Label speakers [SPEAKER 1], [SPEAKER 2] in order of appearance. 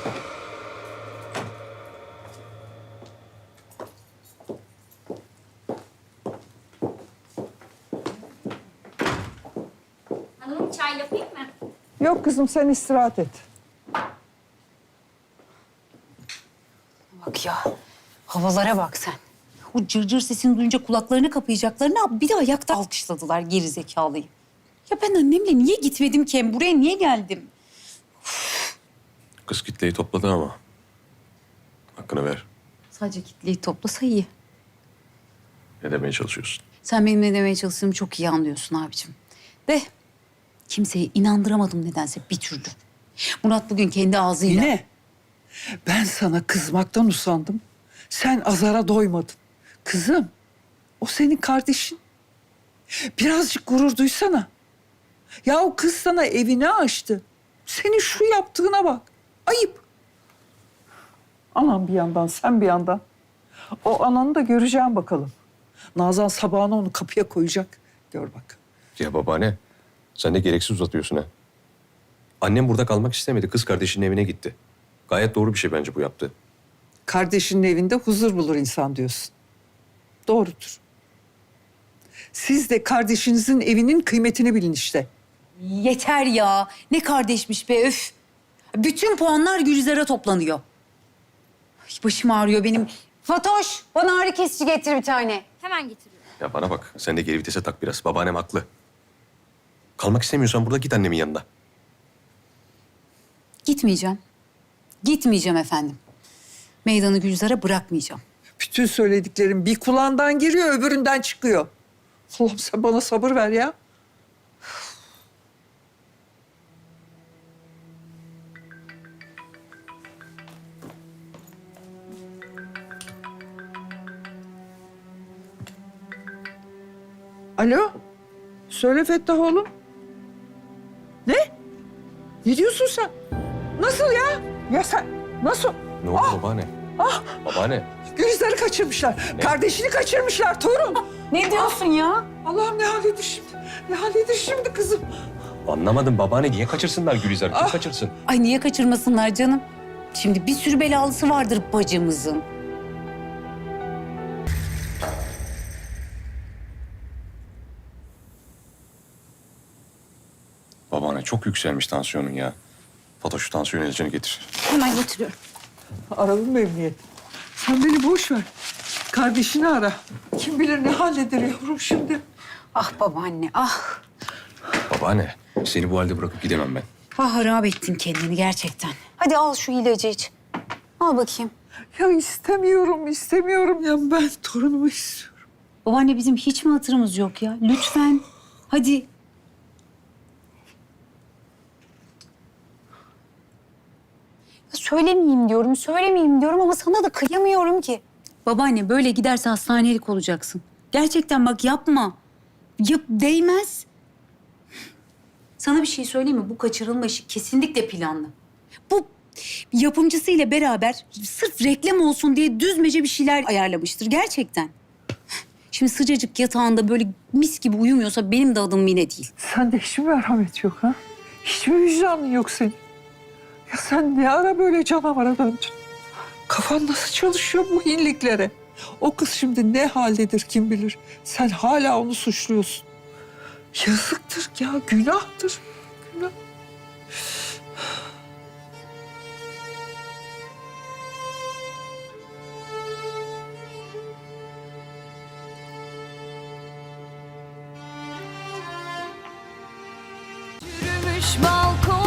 [SPEAKER 1] Hanımım çay yapayım mı?
[SPEAKER 2] Yok kızım sen istirahat et.
[SPEAKER 3] Bak ya, havalara bak sen. O cırcır sesini duyunca kulaklarını kapayacaklarını bir de ayakta alkışladılar geri zekalıyı. Ya ben annemle niye gitmedim ki? Hem buraya niye geldim?
[SPEAKER 4] Kız kitleyi topladı ama. Hakkını ver.
[SPEAKER 3] Sadece kitleyi toplasa iyi.
[SPEAKER 4] Ne demeye çalışıyorsun?
[SPEAKER 3] Sen benim ne demeye çalıştığımı çok iyi anlıyorsun abicim. De kimseyi inandıramadım nedense bir türlü. Murat bugün kendi ağzıyla...
[SPEAKER 2] Yine ben sana kızmaktan usandım. Sen azara doymadın. Kızım o senin kardeşin. Birazcık gurur duysana. Ya o kız sana evini açtı. Senin şu yaptığına bak. Ayıp. Anam bir yandan, sen bir yandan. O ananı da göreceğim bakalım. Nazan sabahına onu kapıya koyacak. Gör bak.
[SPEAKER 4] Ya babaanne, sen de gereksiz uzatıyorsun ha. Annem burada kalmak istemedi. Kız kardeşinin evine gitti. Gayet doğru bir şey bence bu yaptı.
[SPEAKER 2] Kardeşinin evinde huzur bulur insan diyorsun. Doğrudur. Siz de kardeşinizin evinin kıymetini bilin işte.
[SPEAKER 3] Yeter ya. Ne kardeşmiş be öf. Bütün puanlar Gülizar'a toplanıyor. Ay, başım ağrıyor benim. Fatoş, bana ağrı kesici getir bir tane.
[SPEAKER 1] Hemen getiriyorum.
[SPEAKER 4] Ya bana bak, sen de geri vitese tak biraz. Babaannem haklı. Kalmak istemiyorsan burada git annemin yanına.
[SPEAKER 3] Gitmeyeceğim. Gitmeyeceğim efendim. Meydanı Gülizar'a bırakmayacağım.
[SPEAKER 2] Bütün söylediklerim bir kulağından giriyor, öbüründen çıkıyor. Allah'ım sen bana sabır ver ya. Alo? Söyle Fettah oğlum. Ne? Ne diyorsun sen? Nasıl ya? Ya sen nasıl?
[SPEAKER 4] Ne oldu babaanne? Babaanne.
[SPEAKER 2] Gülizar'ı kaçırmışlar. Kardeşini kaçırmışlar torun.
[SPEAKER 3] Ne diyorsun ya?
[SPEAKER 2] Allah'ım ne halledir şimdi? Ne halledir şimdi kızım?
[SPEAKER 4] Anlamadım babaanne. Niye kaçırsınlar Gülizar'ı? Kim kaçırsın?
[SPEAKER 3] Ay niye kaçırmasınlar canım? Şimdi bir sürü belalısı vardır bacımızın.
[SPEAKER 4] Babaanne çok yükselmiş tansiyonun ya. Fatoş şu tansiyon ilacını getir.
[SPEAKER 3] Hemen getiriyorum.
[SPEAKER 2] Aralım mı emniyet? Sen beni boş ver. Kardeşini ara. Kim bilir ne halledir yavrum şimdi.
[SPEAKER 3] Ah babaanne ah.
[SPEAKER 4] Babaanne, seni bu halde bırakıp gidemem ben.
[SPEAKER 3] Ah harap ettin kendini gerçekten. Hadi al şu ilacı iç. Al bakayım.
[SPEAKER 2] Ya istemiyorum ya. Ben torunumu istiyorum.
[SPEAKER 3] Babaanne bizim hiç mi hatırımız yok ya? Lütfen. Hadi. Ya söylemeyeyim diyorum ama sana da kıyamıyorum ki. Babaanne böyle giderse hastanelik olacaksın. Gerçekten bak yapma. Yap değmez. Sana bir şey söyleyeyim mi? Bu kaçırılma işi kesinlikle planlı. Bu yapımcısıyla beraber sırf reklam olsun diye düzmece bir şeyler ayarlamıştır gerçekten. Şimdi sıcacık yatağında böyle mis gibi uyumuyorsa benim de adım Mine değil.
[SPEAKER 2] Sende hiç mi merhamet yok ha? Hiç mi vicdanın yok senin? Ya sen ne ara böyle canavara döndün? Kafan nasıl çalışıyor bu hinliklere? O kız şimdi ne haldedir kim bilir. Sen hala onu suçluyorsun. Yazıktır ya, günahtır. Günah.
[SPEAKER 5] Yürümüş balkon